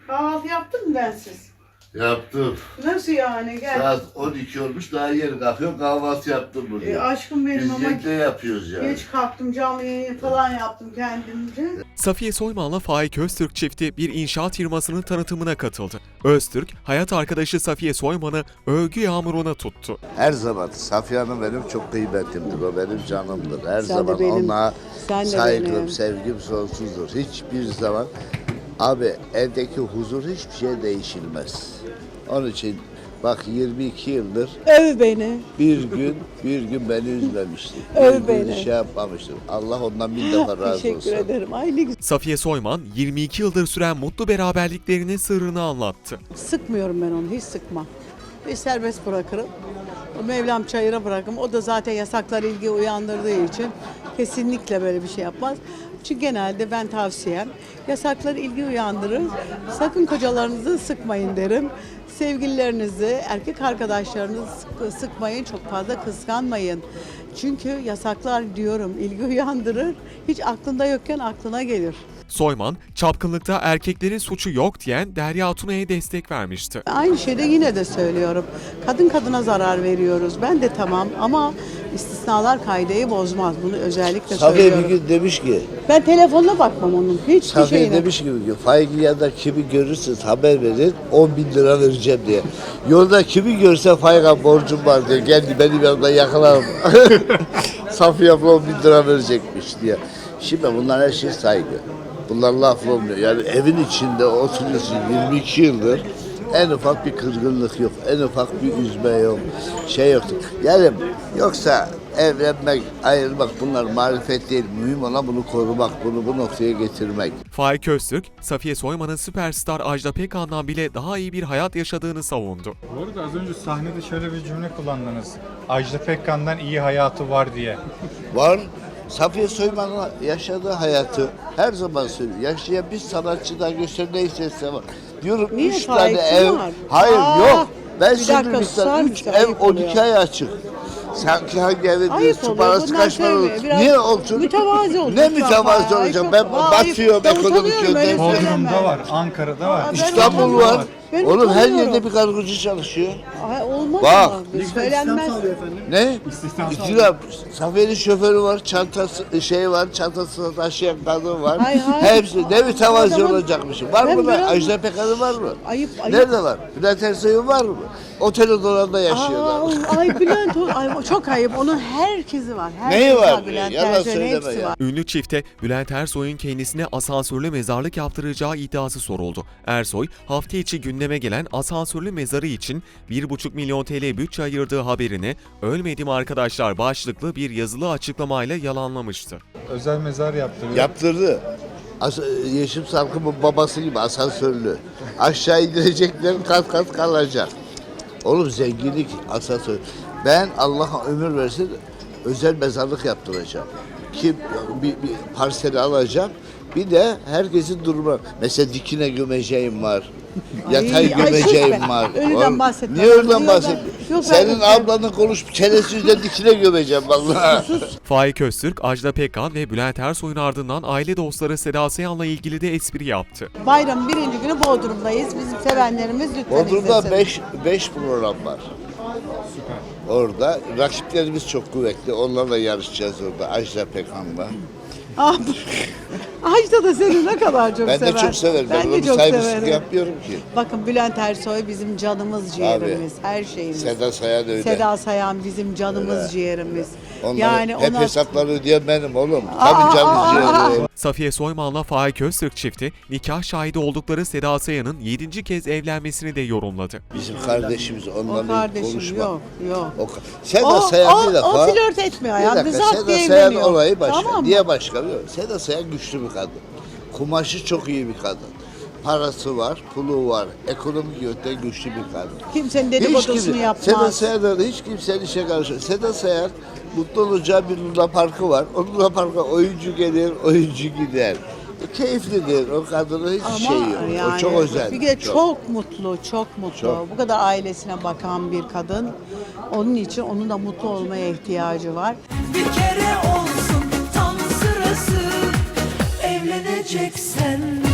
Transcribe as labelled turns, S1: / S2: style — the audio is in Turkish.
S1: Kahvaltı yaptın mı bensiz?
S2: Yaptım.
S1: Nasıl yani? Gel.
S2: Saat 12 olmuş daha yeni kalkıyorum kahvaltı yaptım burada.
S1: Aşkım benim
S2: Biz
S1: ama
S2: yekte yapıyoruz yani.
S1: geç kalktım, canlı yayın falan yaptım kendimce.
S3: Safiye Soyman'la Faik Öztürk çifti bir inşaat firmasının tanıtımına katıldı. Öztürk, hayat arkadaşı Safiye Soyman'ı övgü yağmuruna tuttu.
S2: Her zaman Safiye Hanım benim çok kıymetimdir. O benim canımdır. Her
S1: Sen de
S2: zaman
S1: benim,
S2: ona
S1: sen de
S2: saygım,
S1: benim.
S2: sevgim sonsuzdur. Hiçbir zaman abi evdeki huzur hiçbir şey değişilmez. Onun için bak 22 yıldır
S1: Öv beni.
S2: bir gün beni üzmemişti.
S1: Öv
S2: Bir gün
S1: beni.
S2: şey yapmamıştır. Allah ondan bin defa razı olsun.
S1: Teşekkür ederim. Ay ne güzel.
S3: Safiye Soyman, 22 yıldır süren mutlu beraberliklerinin sırrını anlattı.
S1: Sıkmıyorum ben onu, hiç sıkmam. Bir serbest bırakırım. O Mevlam çayıra bırakırım. O da zaten yasaklar ilgi uyandırdığı için kesinlikle böyle bir şey yapmaz. Çünkü genelde ben tavsiyem yasaklar ilgi uyandırır. Sakın kocalarınızı sıkmayın derim. Sevgililerinizi, erkek arkadaşlarınızı sıkmayın, çok fazla kıskanmayın. Çünkü yasaklar diyorum ilgi uyandırır. Hiç aklında yokken aklına gelir.
S3: Soyman, çapkınlıkta erkeklerin suçu yok diyen Derya Tuna'ya destek vermişti.
S1: Aynı şeyde yine de söylüyorum. Kadın kadına zarar veriyoruz. Ben de tamam ama istisnalar kaideyi bozmaz. Bunu özellikle
S2: Safiye bir
S1: söylüyorum.
S2: gün demiş ki,
S1: Ben telefonla bakmam onun. Hiçbir
S2: Safiye
S1: şeyine.
S2: demiş ki Faik'i ya da kimi görürsünüz haber verin 10 bin lira vereceğim diye. Yolda kimi görse Faik'a borcum var diye geldi benim yanımda yakalarım. Safiye abla 10 bin lira verecekmiş diye. Şimdi bunlar her şey saygı. Bunlar laf olmuyor. Yani evin içinde oturuyorsun 22 yıldır en ufak bir kırgınlık yok. En ufak bir üzme yok. Şey yoktu. Yani yoksa evlenmek, ayrılmak bunlar marifet değil. Mühim olan bunu korumak, bunu bu noktaya getirmek.
S3: Faik Öztürk, Safiye Soyman'ın süperstar Ajda Pekkan'dan bile daha iyi bir hayat yaşadığını savundu.
S4: Bu arada az önce sahnede şöyle bir cümle kullandınız. Ajda Pekkan'dan iyi hayatı var diye.
S2: Var. Safiye Soyman'ın yaşadığı hayatı her zaman söylüyor. Yaşayan bir sanatçıdan göster ne istese var. Diyorum
S1: Niye
S2: 3 tane
S1: Faik'in
S2: ev.
S1: var?
S2: Hayır yok. Ben
S1: bir dakika,
S2: söylüyorum
S1: susar
S2: sana 3
S1: mısın?
S2: ev
S1: Ayıp
S2: 12
S1: oluyor.
S2: ay açık. Sanki hangi evin
S1: Ayıp
S2: su
S1: oluyor.
S2: parası
S1: Bundan
S2: kaç para olur?
S1: söyleme. Biraz
S2: Niye olsun?
S1: mütevazi olsun
S2: Ne
S1: lütfen.
S2: mütevazi
S1: Ay,
S2: olacağım?
S1: çok-
S2: Ben
S1: Vay,
S2: batıyorum
S1: ben
S2: ekonomik
S1: utanıyorum öyle
S2: yönden.
S1: söyleme.
S4: Bodrum'da var, Ankara'da var.
S1: Aa, ben
S2: İstanbul
S1: utanıyorum.
S2: var.
S1: Ben
S2: Oğlum her
S1: utanıyorum.
S2: yerde bir kargocu çalışıyor.
S1: Ay, olmaz
S2: Bak.
S1: ama. Söylenmez.
S2: Ne?
S4: İstihdam
S2: İktidar. Safiye'nin şoförü var, çantası şey var, çantasını taşıyan kadın var.
S1: Hay hay.
S2: Hepsi ne mütevazi
S1: Adamın-
S2: olacakmışım. Var
S1: Ben
S2: mı lan?
S1: biraz-
S2: Ajda Pekkan'ın var mı?
S1: Ayıp.
S2: Nerede var? Bülent Ersoy'un var mı? Otelin dolanda yaşıyorlar.
S1: Ay Bülent, ay, çok ayıp. Onun herkesi var. Herkesi
S2: Neyi var?
S1: Bülent
S2: Yalan
S1: Ersoy'un
S2: söyleme
S1: hepsi
S2: ya.
S1: var.
S3: Ünlü çifte Bülent Ersoy'un kendisine asansörlü mezarlık yaptıracağı iddiası soruldu. Ersoy, hafta içi gündeme gelen asansörlü mezarı için 1,5 milyon TL bütçe ayırdığı haberini "Ölmedim arkadaşlar" başlıklı bir yazılı açıklamayla yalanlamıştı.
S4: Özel mezar yaptırıyor.
S2: Yaptırdı. Yeşim Salkım'ın babası gibi asansörlü. Aşağı indireceklerin kat kat kalacak. Oğlum zenginlik asansör. Ben Allah'a ömür versin özel mezarlık yaptıracağım. Kim bir parseli alacağım. Bir de herkesin durumu. Mesela dikine gömeceğim var. Yatay
S1: Ay,
S2: gömeceğim
S1: sus be.
S2: var.
S1: Ölüden
S2: Oğlum,
S1: bahsetme.
S2: niye ölüden
S1: Ölüden-
S2: bahsediyorsun?
S1: Yok,
S2: Senin
S1: ben-
S2: ablanın konuş çenesi yüzünden dikine gömeceğim vallahi.
S3: Faik Öztürk, Ajda Pekkan ve Bülent Ersoy'un ardından aile dostları Seda Sayan'la ilgili de espri yaptı.
S1: Bayramın birinci günü Bodrum'dayız. Bizim sevenlerimiz lütfen
S2: Bodrum'da
S1: izlesin.
S2: 5 program var. Orada rakiplerimiz çok kuvvetli. Onlarla yarışacağız orada. Ajda Pekkan'la.
S1: Ah, Ajda da seni ne kadar çok
S2: Ben
S1: sever.
S2: de çok severim. Ben
S1: Ben
S2: ona
S1: de
S2: bir
S1: çok
S2: saygısızlık
S1: severim.
S2: yapmıyorum ki.
S1: Bakın Bülent Ersoy bizim canımız ciğerimiz, her şeyimiz.
S2: Seda Sayan öyle.
S1: Seda Sayan bizim canımız ciğerimiz.
S2: Onları
S1: Yani
S2: hep
S1: ona
S2: hesapları ödeyen benim oğlum.
S1: Aa,
S2: Tabii canım ciğerim.
S3: Safiye Soyman'la Faik Öztürk çifti, nikah şahidi oldukları Seda Sayan'ın 7. kez evlenmesini de yorumladı.
S2: Bizim kardeşimiz
S1: o
S2: onunla bir
S1: kardeşim
S2: konuşma.
S1: yok, yok.
S2: Seda Sayan bir defa.
S1: O flört etmiyor
S2: Bir
S1: ya.
S2: dakika,
S1: Zat
S2: Seda
S1: diye
S2: Sayan
S1: evleniyor.
S2: olayı başka.
S1: Tamam mı?
S2: Niye başka biliyor musun? Seda Sayan güçlü bir kadın. Kumaşı çok iyi bir kadın. Parası var, pulu var. Ekonomik yönden güçlü bir kadın.
S1: Kimsenin dedikodusunu
S2: Seda
S1: yapmaz.
S2: Sayan'da hiç kimsenin işe karışmıyor. Seda Sayan mutlu olacağı bir Luna Parkı var. O Luna Park'a oyuncu gelir, oyuncu gider. Keyiflidir. O kadının hiç
S1: Ama
S2: şeyi yok.
S1: yani
S2: O çok özel.
S1: bir de çok mutlu, çok mutlu.
S2: Çok.
S1: Bu kadar ailesine bakan bir kadın. Onun için onun da mutlu olmaya ihtiyacı var.
S5: Bir kere olsun tam sırası, evleneceksen